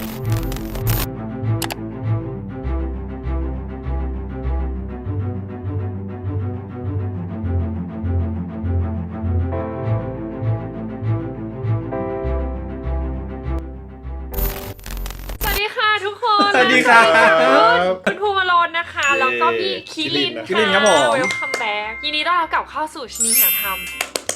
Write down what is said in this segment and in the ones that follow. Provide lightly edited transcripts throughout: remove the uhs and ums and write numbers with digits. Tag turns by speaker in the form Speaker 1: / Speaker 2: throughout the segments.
Speaker 1: สวัสดีครับ
Speaker 2: คุณภูมิโรจน์นะคะแล้วก็พี่คิรินค่ะ
Speaker 1: ครับผม
Speaker 2: เวลคัมแบ็กยินดีต้อนรับกลับเข้าสู่ชนีหาธรรม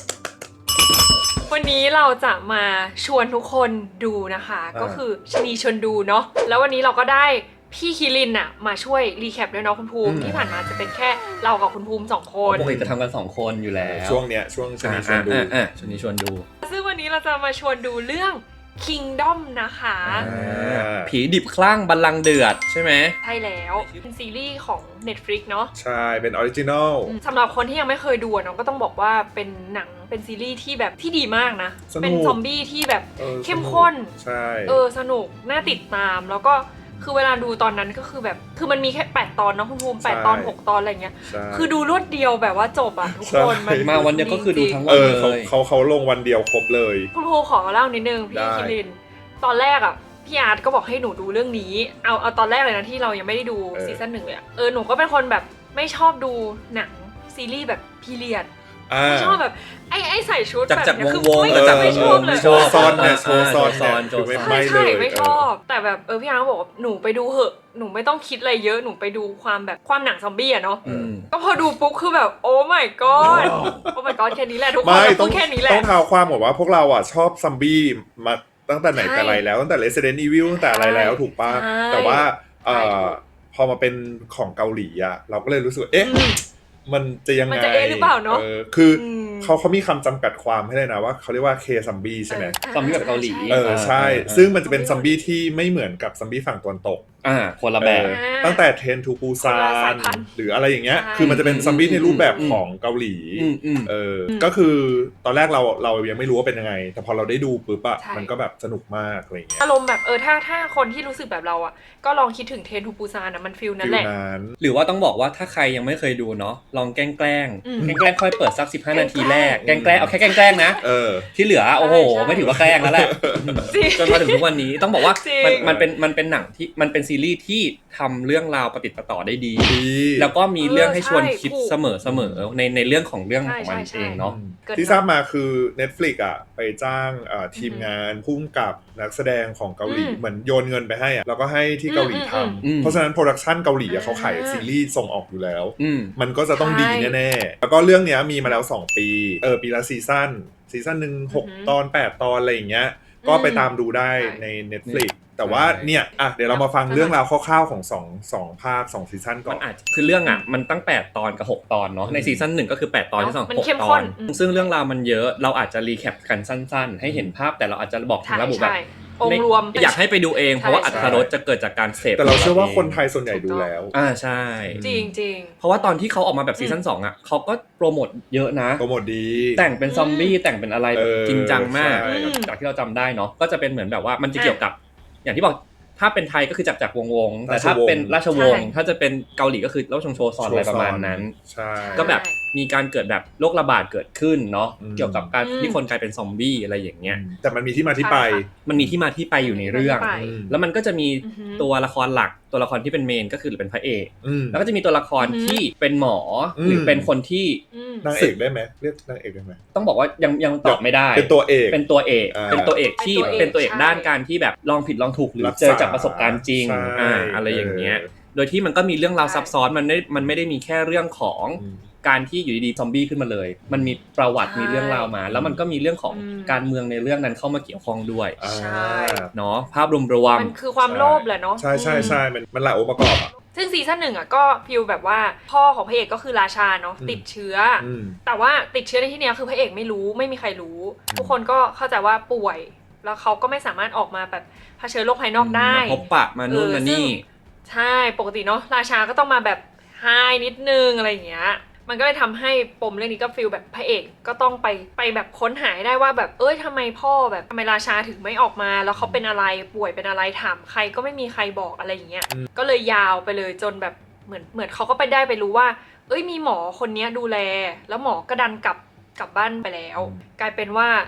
Speaker 2: วันนี้เราจะมาชวนทุกคนดูนะคะก็คือชนีชวนดูเนาะแล้ววันนี้เราก็ได้พี่คิรินอะมาช่วยรีแคปด้วยเนาะคุณภูมิที่ผ่านมาจะเป็นแค่เรากับคุณภูมิ2 คน
Speaker 1: ปกติจะทำกัน2 คนอยู่แล้ว
Speaker 3: ช่วงเนี้ยช่วงชนีชวนดู
Speaker 1: ชนีชวนดู
Speaker 2: ซึ่งวันนี้เราจะมาชวนดูเรื่อง Kingdom นะคะ
Speaker 1: ผีดิบคลั่งบัลลังก์เดือดใช่ไหม
Speaker 2: ใช่แล้วเป็นซีรีส์ของ Netflix เนาะ
Speaker 3: ใช่เป็นออริจินอล
Speaker 2: สำหรับคนที่ยังไม่เคยดูเนาะก็ต้องบอกว่าเป็นหนังเป็นซีรีส์ที่แบบที่ดีมากนะ
Speaker 3: สนุก
Speaker 2: เป็นซอมบี้ที่แบบ เข้ม
Speaker 3: สนุก
Speaker 2: ข้น
Speaker 3: ใช่
Speaker 2: สนุกน่าติดตามแล้วก็คือเวลาดูตอนนั้นก็คือแบบคือมันมีแค่8 ตอนเนาะคุณภูมิ8 ตอน 6 ตอนอะไรเงี้ย
Speaker 3: ใช่
Speaker 2: คือดูรวดเดียวแบบว่าจบอ่ะทุกคน
Speaker 3: ใช่
Speaker 1: มาวันเดียวก็คือดูทั้งวั
Speaker 3: เอน อ
Speaker 1: เลย
Speaker 3: เขาลงวันเดียวครบเลย
Speaker 2: คุณภูมิขอเล่านิดนึงพี่
Speaker 3: ได้
Speaker 2: คิรินตอนแรกอ่ะพี่อาร์ตก็บอกให้หนูดูเรื่องนี้เอาตอนแรกเลยนะที่เรายังไม่ได้ดูซีซั่น 1เลยอะหนูก็เป็นคนแบบไม่ชอบดูหนังซีรีส์แบบพีเรียดไม่ชอบแบบไอ้ใส่ชุดแบบนี้คือไม่ชอบเลย
Speaker 3: โชว์ซ้อนเนี่ยโชว์ซ้อนเนี่ย
Speaker 1: โชว์ซ้อน
Speaker 3: คือไม่เล
Speaker 2: ใช่
Speaker 3: ย
Speaker 2: ไม่ชอบแต่แบบพี่อาร์ตบอกว่าหนูไปดูเหอะหนูไม่ต้องคิดอะไรเยอะหนูไปดูความแบบความหนังซอมบี้อะเนาะก็พอดูปุ๊บคือแบบโอ้ my god โอ้ my god แค่นี้แหละทุกคน
Speaker 3: ไม่
Speaker 2: พูดแค่นี้แหละ
Speaker 3: ต้องเท้าความบอกว่าพวกเราอ่ะชอบซัมบี้มาตั้งแต่ไหนแต่ไรแล้วตั้งแต่ Resident Evil ตั้งแต่อะไรแล้วถูกป่ะ
Speaker 2: ใช่
Speaker 3: แต่ว่า
Speaker 2: ใช่ถูก
Speaker 3: พอมาเป็นของเกาหลีอ่ะเราก็เลยรู้สึกว่าเอ๊ะมันจะยังไง
Speaker 2: มันจะหรือเปล่าเนอะ
Speaker 3: คือเขามีคำจำกัดความให้เลยนะว่าเขาเรียกว่าเคซัมบี้ใช่ไหม
Speaker 1: ซอมบี้แบบเกาหลี
Speaker 3: ใช่ ซึ่งมันจะเป็นซัมบี้ที่ไม่เหมือนกับซัมบี้ฝั่งตะวันตก
Speaker 1: คนละแบบ
Speaker 3: ตั้งแต่เทรนทูปูซา
Speaker 2: คนละสาย
Speaker 3: น
Speaker 2: พันธุ์
Speaker 3: หรืออะไรอย่างเงี้ย
Speaker 2: ใช่
Speaker 3: คือมันจะเป็นซัมบี้ในรูปแบบของเกาหลี ก็คือตอนแรกเรายังไม่รู้ว่าเป็นยังไง แต่พอเราได้ดูปุ๊บอะ
Speaker 2: ใช่
Speaker 3: มันก็แบบสนุกมากอะไรอย่างเงี้ย
Speaker 2: อารมณ์แบบถ้าคนที่รู้สึกแบบเราอ่ะก็ลองคิดถึงเทรนทูปูซานนะมันฟิลนั้น
Speaker 3: ฟิ
Speaker 2: แห
Speaker 3: ล
Speaker 2: ละ
Speaker 3: นั้น
Speaker 1: หรือว่าต้องบอกว่าถ้าใครยังไม่เคยดูเนาะลองแกล้ง
Speaker 2: อืม
Speaker 1: ค่อยเปิดสัก15 นาทีแรกแกล้งเอาแค่แกล้งนะ ที่เหลือโอ้โห
Speaker 2: ใช่
Speaker 1: ไม่ถือว่าแกล้งแล้วแหละ
Speaker 2: จริง
Speaker 1: จนมาถึงทุกวันนี้ต้องบอกว่า
Speaker 2: จริง
Speaker 1: มันเป็นหนังที่มันเป็นซีรีส์ที่ทำเรื่องราวประติดประต่อได้ดี แล้วก็มีเรื่องให้ชวนคิดเสมอในเรื่องของมัน
Speaker 2: ใช่
Speaker 1: เองเนาะ
Speaker 2: เกิด
Speaker 3: ที่ทราบมาคือ Netflix อ่ะไปจ้างทีมงานพุ่มกับนักแสดงของเกาหลีเหมือนโยนเงินไปให้อ่ะแล้วก็ให้ที่เกาหลีทำเพราะฉะนั้นโปรดักชันเกาหลีเขาขายซีรีส์ส่งออกอยู่แล้ว มันก็จะต้องดีแน่ๆแล้วก็เรื่องเนี้ยมีมาแล้ว2 ปีปีละซีซั่นหนึ่ง6 ตอน 8 ตอนอะไรอย่างเงี้ยก็ไปตามดูได้ใน Netflix แต่ว่าเนี่ยเดี๋ยวเรามาฟังเรื่องราวคร่าวๆของ2ภาค2ซีซั่นก่
Speaker 1: มั
Speaker 3: อน
Speaker 1: นอาจคือเรื่องมันตั้ง8 ตอนกับ6 ตอนเนาะในซีซั่น1ก็คือ8 ตอนที่2
Speaker 2: มันเข้ม
Speaker 1: 6 ต
Speaker 2: ข้
Speaker 1: อน นซึ่งเรื่องราวมันเยอะเราอาจจะรีแคปกันสั้นๆ ให้เห็นภาพแต่เราอาจจะบอกถึงระบุแบบ
Speaker 2: องค์รวม
Speaker 1: อยากให้ไปดูเองเพราะว่าอรรถรสจะเกิดจากการเสพ
Speaker 3: แต่เราเชื่อว่าคนไทยส่วนใหญ่ดูแล้ว
Speaker 1: ใช่
Speaker 2: จริง
Speaker 1: เพราะว่าตอนที่เขาออกมาแบบซีซั่น2อ่ะเขาก็โปรโมทเยอะนะ
Speaker 3: โปรโมทดี
Speaker 1: แต่งเป็นซอมบี้แต่งเป็นอะไรแบบจริงจังมาก
Speaker 3: ใช่
Speaker 1: จากที่เราจำได้เนาะก็จะเป็นเหมือนแบบว่ามันจะเกี่ยวกับอย่างที่บอกถ้าเป็นไทยก็คือจักรวงศ์แต่ถ้าเป็นราชวงศ์ถ้าจะเป็นเกาหลีก็คือราชวงศ์โชซอนอะไรประมาณนั้น
Speaker 3: ใช่
Speaker 1: ก็แบบมีการเกิดแบบโรคระบาดเกิดขึ้นเนาะ เกี่ยวกับการ
Speaker 2: อืม
Speaker 1: ที่คนกลายเป็นซอมบี้อะไรอย่างเงี้ย
Speaker 3: แต่มันมีที่มาที่ไป
Speaker 1: มันมีที่มาที่ไปอยู่ในเรื่อง
Speaker 2: ไป
Speaker 1: แล้วมันก็จะมี
Speaker 2: อือฮึ
Speaker 1: ตัวละครหลักตัวละครที่เป็นเมนก็คือหรือเป็นพระเอก
Speaker 3: อืม
Speaker 1: แล้วก็จะมีตัวละคร
Speaker 2: อือฮึ
Speaker 1: ที่เป็นหมออ
Speaker 3: ม
Speaker 1: หรือเป็นคนที่
Speaker 3: นางเอกได้ไหมเรียกนางเอกได้ไหม
Speaker 1: ต้องบอกว่ายังตอบไม่ได้
Speaker 3: เป็นตัวเอก
Speaker 1: เป็นตัวเอก
Speaker 3: อ่า
Speaker 1: เป็นตัวเอกที่
Speaker 2: เป็
Speaker 1: เป็น
Speaker 2: นตั
Speaker 1: ตัว
Speaker 2: ว
Speaker 1: เอ
Speaker 2: เอก ก
Speaker 1: ด้านการที่แบบลองผิดลองถูกหรือ
Speaker 3: รักษา
Speaker 1: เจอจากประสบการณ์จริง
Speaker 3: ใช่
Speaker 1: อะไรอย่างเงี้ยโดยที่มันก็มีเรื่องราวซับซ้อนมันไม่ได้มีแค่เรื่องของการที่อยู่ดีๆซอมบี้ขึ้นมาเลย มันมีประวัติ
Speaker 2: ใช่
Speaker 1: มีเรื่องราวมา แล้วมันก็มีเรื่องของ
Speaker 2: อืม
Speaker 1: การเมืองในเรื่องนั้นเข้ามาเกี่ยวข้องด้วย
Speaker 2: ใช่
Speaker 1: เนาะภาพรวม
Speaker 2: มันคือความโลภแหละเนาะ
Speaker 3: ใช่มันหลายองค์ประกอบอะ
Speaker 2: ซึ่งซีซั่น 1อ่ะก็ฟิลแบบว่าพ่อของพระเอกก็คือราชาเนาะติดเชื้ออ
Speaker 3: ม
Speaker 2: แต่ว่าติดเชื้อในที่เนี้ยคือพระเอกไม่รู้ไม่มีใครรู้ ทุกคนก็เข้าใจว่าป่วย แล้วเขาก็ไม่สามารถออกมาแบบเผชิญโลกภายนอกได้
Speaker 1: มาพบปะมานู่นมานี่
Speaker 2: ใช่ปกติเนาะราชาก็ต้องมาแบบไฮนิดนึงอะไรอย่างเงี้ยมันก็เลยทำให้ปมเรื่องนี้ก็ฟีลแบบพระเอกก็ต้องไปแบบค้นหาให้ได้ว่าแบบทำไมพ่อแบบทำไมราชาถึงไม่ออกมาแล้วเขาเป็นอะไรป่วยเป็นอะไรถามใครก็ไม่มีใครบอกอะไรอย่างเงี้ยก็เลยยาวไปเลยจนแบบเหมือนเขาก็ไปรู้ว่ามีหมอคนนี้ดูแลแล้วหมอก็ดันกลับบ้านไปแล้ว กลายเป็นว่า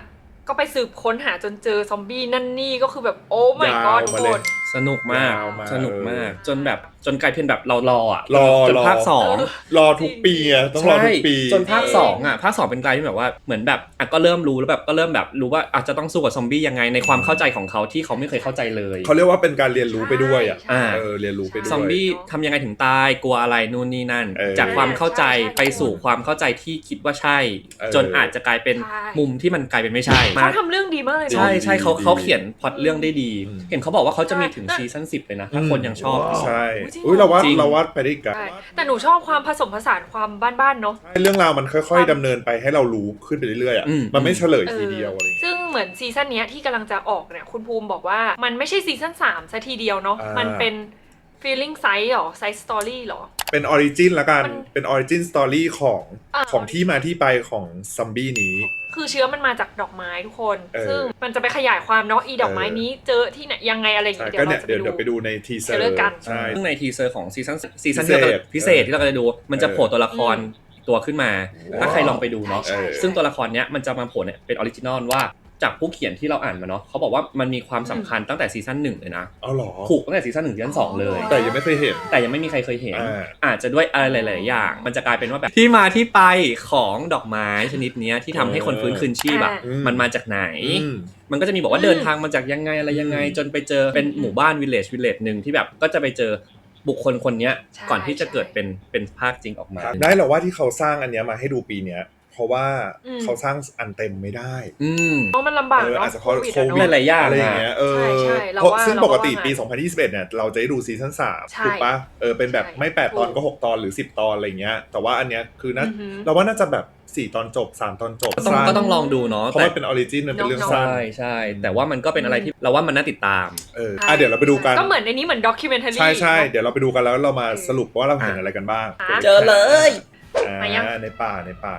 Speaker 2: ก็ไปสืบค้นหาจนเจอซอมบี้นั่นนี่ก็คือแบบโอ้ my
Speaker 3: ยาว
Speaker 2: god ทุก
Speaker 3: มา
Speaker 2: ค
Speaker 3: เลย
Speaker 2: น
Speaker 1: สนุกมาก
Speaker 3: ยาวมา
Speaker 1: สนุกมากจนกลายเป็นแบบเรารออ่ะ
Speaker 3: รอ
Speaker 1: จนภาคสอง
Speaker 3: รอทุกปีอะต้องรอทุกปี
Speaker 1: จนภาค2อ่ะภาค2เป็นกลายที่แบบว่าเหมือนแบบอ่ะก็เริ่มรู้แล้วแบบก็เริ่มแบบรู้ว่าอาจจะต้องสู้กับซอมบี้ยังไงในความเข้าใจของเขาที่เขาไม่เคยเข้าใจเลย
Speaker 3: เขาเรียกว่าเป็นการเรียนรู้ไปด้วยอ่ะ
Speaker 2: ใช่
Speaker 3: เรียนรู้ไปด้วย
Speaker 1: ซอมบี้ทำยังไงถึงตายกลัวอะไรนู่นนี่นั่น จากความเข้าใจ
Speaker 2: ใช่
Speaker 1: ไปสู่ความเข้าใจที่คิดว่าใช่ จนอาจจะกลายเป็น
Speaker 2: ใช่
Speaker 1: มุมที่มันกลายเป็นไม่ใช่
Speaker 2: เขาทำเรื่องดีมากเลย
Speaker 1: ใช่
Speaker 2: เนาะ
Speaker 1: ใช่เขาเขียนพล็อตเรื่องได้ดี
Speaker 3: อืม
Speaker 1: เห็นเขาบอกว่าเขาจะมีถึง
Speaker 2: ใช่
Speaker 1: ซีซั่น10เลยนะถ้าคนยังชอบ
Speaker 3: ใช่
Speaker 2: จริงเหรอ
Speaker 3: อุ้ยเราว่า
Speaker 1: จริง
Speaker 3: เราว่าไปได้กัน
Speaker 2: ใช่แต่หนูชอบความผสมผสานความบ้านๆเนาะ
Speaker 3: ใช่เรื่องราวมันค่อยๆดำเนินไปให้เรารู้ขึ้นไปเรื่อยๆอ่ะ
Speaker 1: อืม
Speaker 3: มันไม่เฉลยทีเดียวอะไรอย่างเงี้ย
Speaker 2: ซึ่งเหมือนซีซั่นเนี้ยที่กำลังจะออกเนี่ยคุณภูมิบอกว่ามันไม่ใช่ซีซั่น3ซะทีเดียวเนาะ
Speaker 3: อ่ามั
Speaker 2: มันเป็น feeling size หรอ size story หรอ
Speaker 3: เป็นออริจินละกัน
Speaker 2: มัน
Speaker 3: เป็นออริจินสตอรี่ของ
Speaker 2: อ่า
Speaker 3: ของที่มาที่ไปของซอมบี้นี้
Speaker 2: คือเชื้อมันมาจากดอกไม้ทุกคน
Speaker 3: เออ
Speaker 2: ซึ่งมันจะไปขยายความเนาะอีดอกไม้นี้เจอที่ไหนยังไงอะไรอย่าง
Speaker 3: ใช่
Speaker 2: เงี้ย
Speaker 3: ก็เนี่ย
Speaker 2: เดี๋
Speaker 3: เดี๋
Speaker 2: ย
Speaker 3: ยว ว
Speaker 2: เราจะ
Speaker 3: ไปดูในทีเซอ
Speaker 2: เทรลเลอร์
Speaker 3: ร์
Speaker 2: กัน
Speaker 3: ใช่
Speaker 1: ซึ่งในทีเซอร์ของซีซั่น
Speaker 3: พิ
Speaker 1: ที่
Speaker 3: เศษ
Speaker 1: เราพิเศษที่เราจะดู มันจะโผล่ตัวละครตัวขึ้นมา ถ้าใครลองไปดูเนาะ
Speaker 2: ใช่
Speaker 1: ซึ่งตัวละครเนี้ยมันจะมาโผล่เนี่ยเป็นออริจินอลว่าจากผู้เขียนที่เราอ่านมาเนาะเขาบอกว่ามันมีความสำคัญตั้งแต่ซีซั่น1เลยนะ
Speaker 3: เอาเหรอ
Speaker 1: ผูกตั้งแต่ซีซั่น1ซีซั่น2เลย
Speaker 3: แต่ยังไม่เคยเห็น
Speaker 1: แต่ยังไม่มีใครเคยเห็น
Speaker 3: อ่า
Speaker 1: อาจจะด้วยอะไรหลาย ๆ อย่าง มันจะกลายเป็นว่าแบบที่มาที่ไปของดอกไม้ชนิดเนี้ยที่ทำให้คนฟื้นคืนชีพอะ
Speaker 3: อืม
Speaker 1: มันมาจากไหน
Speaker 3: อืม
Speaker 1: มันก็จะมีบอกว่าเดินทางมาจากยังไงอะไรยังไง จนไปเจอเป็นหมู่บ้านวิลเลจหนึ่งที่แบบก็จะไปเจอบุคคลคนเนี้ย
Speaker 2: ใช่
Speaker 1: ก่อนที่จะเกิดเป็นภาคจริงออกมา
Speaker 3: ได้เหรอว่าที่เขาสร้างอันเนี้ยมาให้ดูปีเนี้ยเพราะว่า
Speaker 2: อืม
Speaker 3: เขาสร้างอันเต็มไม่ได้
Speaker 1: อืม
Speaker 2: เพราะมันลำบาก
Speaker 3: เออ
Speaker 2: เนาะ
Speaker 3: อาจจะเพราะ
Speaker 2: โค
Speaker 3: โค
Speaker 2: วิ
Speaker 3: วิ
Speaker 2: ด
Speaker 3: ด
Speaker 1: หลายๆอย่าง
Speaker 3: อะไรอย่างเงี้ยเออ
Speaker 2: ใช่เรา
Speaker 3: เพราะ
Speaker 2: ว่า
Speaker 3: ซึ่งปกติ
Speaker 2: เราว่า
Speaker 3: ปี 2021เนี่ยเราจะได้ดูซีซั่น3
Speaker 2: ใช่
Speaker 3: ถูกปะเป็นแบบ
Speaker 2: ใช่
Speaker 3: ไม่8ตอนก็
Speaker 2: ถูก
Speaker 3: 6ตอนหรือ10ตอนอะไรเงี้ยแต่ว่าอันเนี้ยคือน่า
Speaker 2: อือหือ
Speaker 3: เราว่าน่าจะแบบ4ตอนจบ3ตอนจบ
Speaker 1: ก็ต้องลองดูเนาะ
Speaker 3: เพราะ
Speaker 1: แต่
Speaker 3: มันเป็นออริจินมันเป็นเรื่อง
Speaker 2: เนาะ
Speaker 3: สั้น
Speaker 1: ใช่ใช่แต่ว่ามันก็เป็นอะไรที่เราว่ามันน่าติดตาม
Speaker 3: เดี๋ยวเราไปดูกัน
Speaker 2: ก็เหมือนในนี้เหมือนด็อกิเมนทารี
Speaker 3: ใช่เดี๋ยวเราไปดูกันแล้วเรามาสรุปว่าเราเห็นอะไรกันบ้าง
Speaker 1: เจอเลย
Speaker 2: มายัง
Speaker 3: ในป่า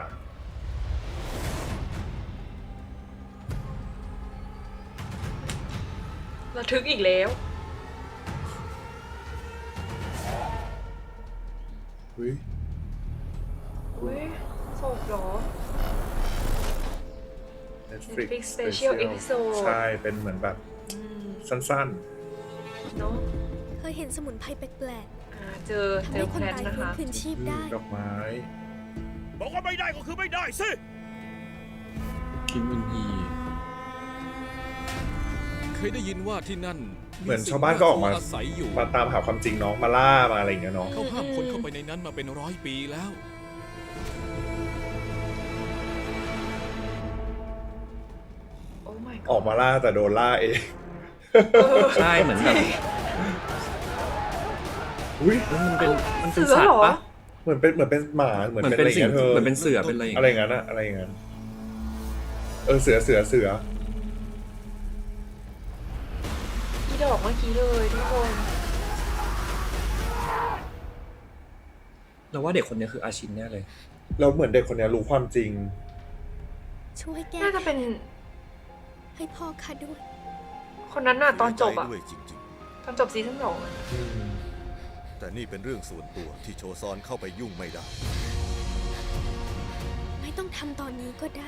Speaker 2: ระทึกอีกแล้ว
Speaker 3: เฮ้ย
Speaker 2: อุ้ยโศกเหรอ
Speaker 3: Netflix
Speaker 2: Netflix Special Episode
Speaker 3: ใช่เป็นเหมือนแบบ
Speaker 2: อืม
Speaker 3: สั้น
Speaker 2: เนาะ
Speaker 4: เคยเห็นสมุนไพรแปลก
Speaker 2: เจอ
Speaker 4: ๆทำ
Speaker 2: เจ
Speaker 4: ให้
Speaker 2: อ
Speaker 4: คน
Speaker 2: แพท
Speaker 4: ตาย
Speaker 2: นะ
Speaker 4: ฟื้น
Speaker 2: คะ
Speaker 4: คืนชีพได้
Speaker 3: ดอกไม้
Speaker 5: บอกว่าไม่ได้ก็คือไม่ได้สิ
Speaker 1: คิมอุนฮี
Speaker 5: เคยได้ยินว่าที่นั่น
Speaker 3: เหมือนชาวบ้านก็ออกมา
Speaker 5: อาศัยอยู่
Speaker 3: มาตามหาความจริงเนาะมาล่ามาอะไรอย่างเงี้ยเนาะ
Speaker 5: เขาห้ามคนเข้าไปในนั้นมาเป็น100 ปีแล้ว
Speaker 2: โอ้ my god
Speaker 3: ออกมาล่าแต่โดนล่าเอง
Speaker 1: ใช่เหมือนแบบ
Speaker 3: อุ้ย
Speaker 1: มันเป็น
Speaker 2: เสื
Speaker 1: สั
Speaker 2: อ
Speaker 1: ต
Speaker 2: เหร
Speaker 1: ว์
Speaker 2: อ
Speaker 1: ปะ
Speaker 3: เหมือนเป็นหมาเหมือน
Speaker 1: เหมือน
Speaker 3: เป็น
Speaker 1: เป็น
Speaker 3: อะไรอย่าง
Speaker 1: สิ่ง
Speaker 3: เงี้ยเธอ
Speaker 1: เหมือนเป็นเสือเป็นอะไรอย่าง
Speaker 3: อะไรอ
Speaker 1: เงี้ย
Speaker 3: ย่างนั้นอะอะไรอย่างนั้นเสือ
Speaker 2: ที่ดอกเมื่อกี้เลยทุกคน
Speaker 1: เราว่าเด็กคนนี้คืออาชินแน่เลย
Speaker 3: แล้วเหมือนเด็กคนเนี้ยรู้ความจริง
Speaker 4: ช่วยแก้
Speaker 2: น่าจะเป็น
Speaker 4: ให้พ่อข้าด้วย
Speaker 2: คนนั้นน่ะตอนจบอะ
Speaker 6: ด้วยจริง
Speaker 2: ตอนจบซีซั่น2อะ
Speaker 6: ๆ แต่นี่เป็นเรื่องส่วนตัวที่โชซอนเข้าไปยุ่งไม่ได้
Speaker 4: ไม่ต้องทำตอนนี้ก็ได้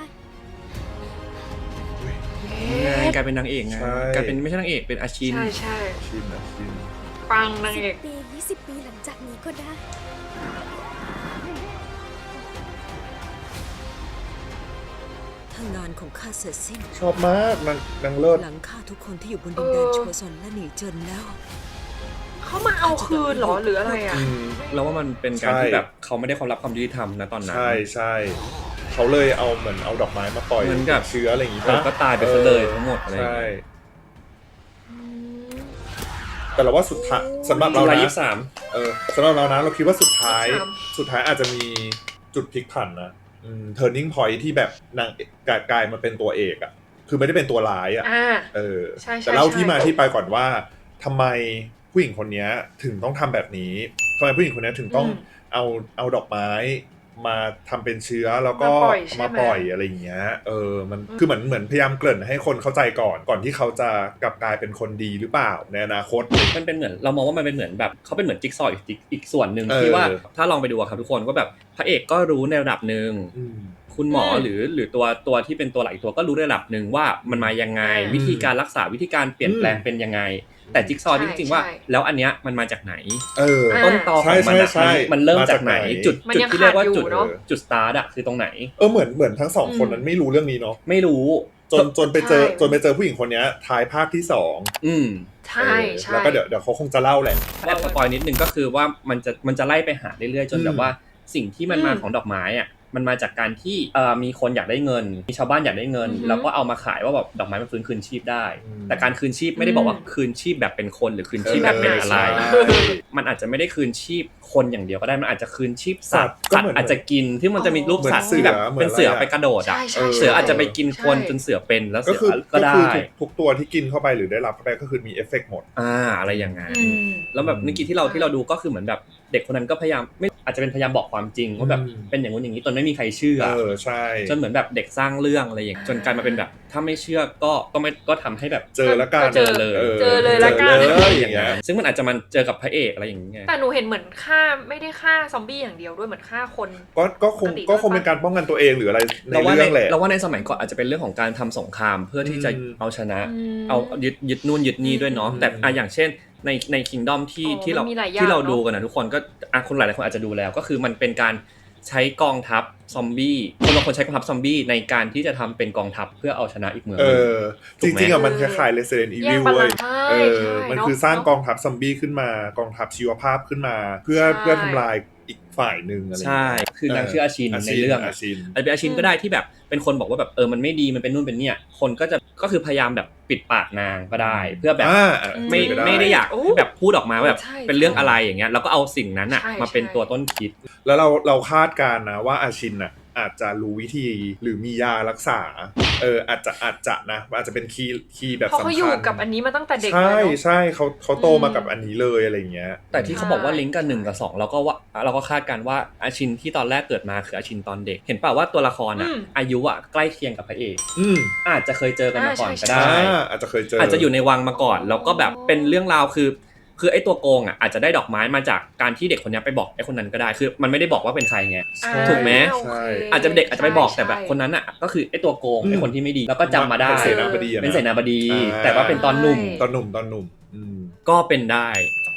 Speaker 1: กลายเป็นนางเอกไง
Speaker 3: ใช่
Speaker 1: กลายเป็นไม่ใช่นางเอกเป็นอาชิน
Speaker 2: ใช่ใช่
Speaker 3: ชิน
Speaker 2: ปังนางเอก
Speaker 4: 10 ปี 20 ปีหลังจากนี้ก็ได้
Speaker 7: ถ้างานของข้าเสร็จสิ้น
Speaker 3: ชอบมากนางเลิศ
Speaker 7: หลังฆ่าทุกคนที่อยู่บนดินแดนโชซอนและหนีเจินแล้ว
Speaker 2: เขามาเอาคืนเหรอหรืออะไรอะ
Speaker 1: เราว่ามันเป็นการ
Speaker 3: ใช่
Speaker 1: ที่แบบเขาไม่ได้ความรับความยุติธรรมนะตอนนั้น
Speaker 3: ใช่เขาเลยเอาเหมือนเอาดอกไม้มาปล่อย
Speaker 1: เหมือนกับ
Speaker 3: เชื้ออะไรอย่างงี้
Speaker 1: ก็ตายไปซะเลยทั้งหมดอะไรอย่าง
Speaker 3: ใช่
Speaker 1: เงี้ย
Speaker 2: อืม
Speaker 3: แต่เราว่าสุดท้ายสำหรับเรา
Speaker 1: จุฬา
Speaker 3: นะ
Speaker 1: 23
Speaker 3: สำหรับเรานะเราคิดว่าสุดท้าย
Speaker 2: 23
Speaker 3: อาจจะมีจุดพลิกผันนะturning point ที่แบบนางกลายมาเป็นตัวเอกอะคือไม่ได้เป็นตัวร้ายอะ
Speaker 2: อ่า ใช่
Speaker 3: แต่เล่า
Speaker 2: ใช่
Speaker 3: ที่มาที่ไปก่อนว่าทำไมผู้หญิงคนนี้ถึงต้องทำแบบนี้ทำไมผู้หญิงคนนี้ถึงต้องเอาดอกไม้มาทำเป็นเชื้อแล้วก็มาปล่อยอะไรอย่างเงี้ยมันคือเหมือนพยายามเกริ่นให้คนเข้าใจก่อนที่เขาจะกลับกลายเป็นคนดีหรือเปล่าในอนาคต
Speaker 1: มันเป็นเหมือนเรามองว่ามันเป็นเหมือนแบบเขาเป็นเหมือนจิ๊กซอว์อีกส่วนหนึ่ง
Speaker 3: เออ
Speaker 1: ที่ว่าถ้าลองไปดูอะครับทุกคนก็แบบพระเอกก็รู้ในระดับหนึ่งคุณหมอหรือตัวที่เป็นตัวหลักอีกตัวก็รู้ระดับหนึ่งว่ามันมายังไงวิธีการรักษาวิธีการเปลี่ยนแปลงเป็นยังไงแต่จิ๊กซอว์จริงๆว่าแล้วอันเนี้ยมันมาจากไหนต้นตอของมันมันเริ่มจากไหนจุดที่เรียกว่าจุดสตาร์ทอะคือตรงไหน
Speaker 3: เหมือนทั้งสองคนนั้นไม่รู้เรื่องนี้เนาะ
Speaker 1: ไม่รู้
Speaker 3: จนไปเจอผู้หญิงคนนี้ท้ายภาคที่2
Speaker 2: ใช่
Speaker 3: แล้วก็เดี๋ยวเขาคงจะเล่าแหละ
Speaker 1: แอบสปอยนิดนึงก็คือว่ามันจะไล่ไปหาเรื่อยๆจนแบบว่าสิ่งที่มันมาของดอกไม้อ่ะมันมาจากการที่มีคนอยากได้เงินมีชาวบ้านอยากได้เงินแล้วก็เอามาขายว่าแบบดอกไม้มันฟื้นคืนชีพได้แต่การคืนชีพไม่ได้บอกว่าคืนชีพแบบเป็นคนหรือคืนชีพแบบเป็นอะไรมันอาจจะไม่ได้คืนชีพคนอย่างเดียวก็ได้มันอาจจะคืนชีพสัตว์อาจจะกินที่มันจะมีรูปสัตว์ที่แบบเป็นเสือไปกระโดดอ่ะเสืออาจจะไปกินคนจนเสือเป็นแล้วเสือก็ได้
Speaker 3: ทุกตัวที่กินเข้าไปหรือได้รับเข้าไปก็คือมีเอฟเฟกต์หมด
Speaker 1: อะไรอย่างงั้นแล้วแบบเมื่อกี้ที่เราดูก็คือเหมือนแบบเด็กคนนั้นก็พยายามไม่อาจจะเป็นพยายามบอกความจริงว่าแบบเป็นอย่างนู้นอย่างนี้จนไม่มีใครเชื่อ
Speaker 3: ใช่
Speaker 1: จนเหมือนแบบเด็กสร้างเรื่องอะไรอย่างจนกลายมาเป็นแบบถ้าไม่เชื่อก็ทำให้แบบ
Speaker 3: เจอแล้วกัน
Speaker 2: เจอเลยละกัน
Speaker 1: อย่างเงี้ยซึ่งมันอาจจะมันเจอกับพระเอกอะไรอย่างเงี้ย
Speaker 2: แต่หนูเห็นเหมือนฆ่าไม่ได้ฆ่าซอมบี้อย่างเดียวด้วยเหมือนฆ่าคน
Speaker 3: ก็คงเป็นการป้องกันตัวเองหรืออะไรในเรื่องแหละ
Speaker 1: เราว่าในสมัยก่อนอาจจะเป็นเรื่องของการทำสงครามเพื่อที่จะเอาชนะเอายึดนู่นยึดนี่ด้วยเนาะแต่อย่างเช่นใน Kingdom ที่เราดูกันนะทุกคนก็คนหลายคนอาจจะดูแล้วก็คือมันเป็นการใช้กองทัพซอมบี้บางคนใช้กองทัพซอมบี้ในการที่จะทำเป็นกองทัพเพื่อเอาชนะอีกเมือง
Speaker 3: จริงๆมันคล้ายๆ Resident Evil เว้ยมันคือสร้างกองทัพซอมบี้ขึ้นมากองทัพชีวภาพขึ้นมาเพื่อทำลายอีกฝ่ายนึงอะไร
Speaker 1: ใช่คือนางชื่ออาชินในเรื่องอาจจะเป็นอาชินก็ได้ที่แบบเป็นคนบอกว่าแบบมันไม่ดีมันเป็นนู่นเป็นเนี่ยคนก็คือพยายามแบบปิดปากนางก็ได้เพื่อแบบไม่ได้อยากแบบพูดออกมาแบบเป็นเรื่องอะไรอย่างเงี้ยแล้วก็เอาสิ่งนั้นอ่ะมาเป็นตัวต้นคิด
Speaker 3: แล้วเราคาดการณ์นะว่าอาชินอ่ะอาจจะรู้วิธีหรือมียารักษาอาจจะนะอาจจะเป็นคีย์แบบสำคัญเพราะ
Speaker 2: เขาอยู่กับอันนี้มาตั้งแต่เด็ก
Speaker 3: ใช่เขาโตมากับอันนี้เลยอะไรเงี้ย
Speaker 1: แต่ที่เขาบอกว่าลิงก์กัน1 กับ 2เราก็คาดกันว่าอาชินที่ตอนแรกเกิดมาคืออาชินตอนเด็กเห็นป่าวว่าตัวละครอายุใกล้เคียงกับพระเอกอาจจะเคยเจอกันมาก่อนก็ได้
Speaker 3: อาจจะเคยเจอ
Speaker 1: อาจจะอยู่ในวังมาก่อนแล้วก็แบบเป็นเรื่องราวคือไอ้ตัวโกงอาจจะได้ดอกไม้มาจากการที่เด็กคนนี้ไปบอกไอ้คนนั้นก็ได้คือมันไม่ได้บอกว่าเป็นใครไงถูกไหมอาจจะเด็กอาจจะไปบอกแต่แบบคนนั้นก็คือไอ้ตัวโกงไอ้คนที่ไม่ดีแล้วก็จำมาได้เป็นเสนาบดีแต่ว่าเป็นตอนหนุ่มก็เป็นได้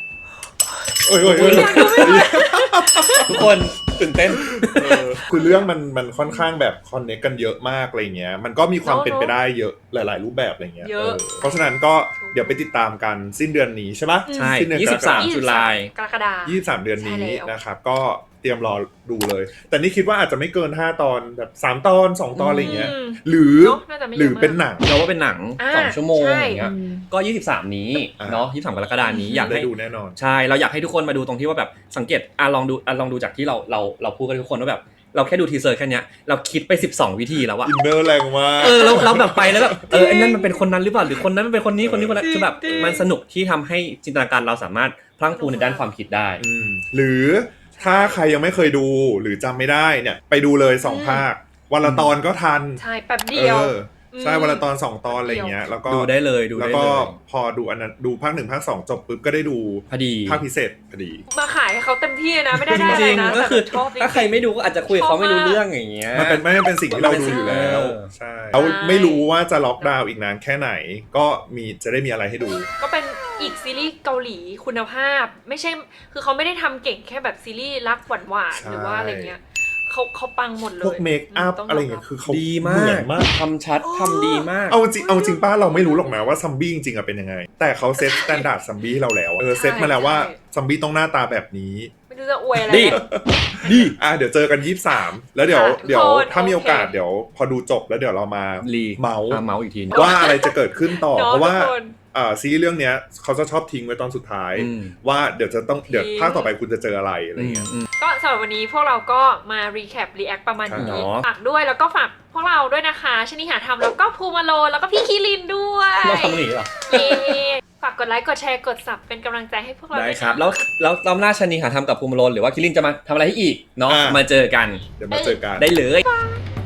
Speaker 1: ทุกคนตื่นเต้น
Speaker 3: คือเรื่องมันค่อนข้างแบบคอนเนคกันเยอะมากอะไรเงี้ยมันก็มีความเป็นไปได้เยอะหลายๆรูปแบบอะไรเงี้ยเพราะฉะนั้นก็เดี๋ยวไปติดตามกันสิ้นเดือนนี้ใช่ปะ
Speaker 1: ใช่23 ตุลาคม
Speaker 2: กรกฎาค
Speaker 3: ม23เดือนนี้นะครับก็เตรียมรอดูเลยแต่นี่คิดว่าอาจจะไม่เกิน5 ตอนแบบ3 ตอน2 ตอนอะไรเงี้ยหรือเป็นหนัง
Speaker 1: เราว่าเป็นหนัง2 ชั่วโมงอย่างเงี้ยก็23นี้เนาะ23 กรกฎาคมนี้อยากให้
Speaker 3: ดูแน่นอน
Speaker 1: ใช่เราอยากให้ทุกคนมาดูตรงที่ว่าแบบสังเกตลองดูจากที่เราพูดกันทุกคนว่าแบบเราแค่ดูทีเซอร์แค่เนี้ยเราคิดไป12 วิธีแล้วอะ
Speaker 3: อินเนอร์แรงมาก
Speaker 1: เราแบบไปแล้วแบบไอ้นั่นมันเป็นคนนั้นหรือเปล่าหรือคนนั้นมันเป็นคนนี้คนนั้นคือแบบมันสนุกที่ทำให้จินตนาการเราสามารถพลั่งพลูในด้านความคิดได้
Speaker 3: หรือถ้าใครยังไม่เคยดูหรือจำไม่ได้เนี่ยไปดูเลย2 ภาควันละตอนก็ทัน
Speaker 2: ใช่แป๊บเดียว
Speaker 3: ใช่วันละตอน2 ตอนอะไรเงี้ยแล้วก็
Speaker 1: ดูได้เลย
Speaker 3: แล้วก็พอดูอันนั้นดูภาค1 ภาค 2จบปุ๊บก็ได้ดู
Speaker 1: พอดี
Speaker 3: ภาคพิเศษพอดี
Speaker 2: มาขายให้เขาเต็มที่นะไม่ได้อะไรนะ
Speaker 1: ก็คือถ้าใครไม่ดูก็อาจจะคุยเขาไม่รู้เรื่องอย่างเงี้ย
Speaker 3: มันเป็นสิ่งที่เราดูอยู่แล้วใช่เราไม่รู้ว่าจะล็อกดาวน์อีกนานแค่ไหนก็จะได้มีอะไรให้ดู
Speaker 2: ก็เป็นอีกซีรีส์เกาหลีคุณภาพไม่ใช่คือเขาไม่ได้ทำเก่งแค่แบบซีรีส์รักหวานหรือว่าอะไรเงี้ยเขาปังหมดเลย
Speaker 3: พวกเมคอัพอะไรเงี้ยคือเขา
Speaker 1: ดีมากทำชัดทำดีมาก
Speaker 3: เอาจริงป้าเราไม่รู้หรอกนะว่าซัมบี้จริงๆเป็นยังไงแต่เขาเซตสแตนดาร์ดซัมบี้ให้เราแล้วเซตมาแล้วว่าซัมบี้ต้องหน้าตาแบบนี้
Speaker 2: ไม่รู้จะอวยอะไร
Speaker 1: ดี
Speaker 3: เดี๋ยวเจอกัน23แล้วเดี๋ยวถ้ามีโอกาสเดี๋ยวพอดูจบแล้วเดี๋ยวเรามาเมาส์
Speaker 1: อีกที
Speaker 3: ว่าอะไรจะเกิดขึ้นต่อเพราะว่าซีรีส์เรื่องเนี้ยเขาจะชอบทิ้งไว้ตอนสุดท้ายว่าเดี๋ยวภาคต่อไปคุณจะเจออะไรเงี้ย
Speaker 2: ก็สำหรับวันนี้พวกเราก็มารีแคปรีแอคประมาณนี้ฝากด้วยแล้วก็ฝากพวกเราด้วยนะคะชนิหาธรรมแล้วก็ภูมาโลแล้วก็พี่คีรินด้วย
Speaker 1: เราทำหนีเหรอ
Speaker 2: ฝากกดไลค์กดแชร์กดซับเป็นกำลังใจให้พวกเรา
Speaker 1: ได้ครับแล้วรอบหน้าชนิหาธรรมกับภูมาโลหรือว่าคีรินจะมาทำอะไรให้อีกเนาะมาเจอกัน
Speaker 3: เดี๋ยวมาเจอกัน
Speaker 1: ได้เลย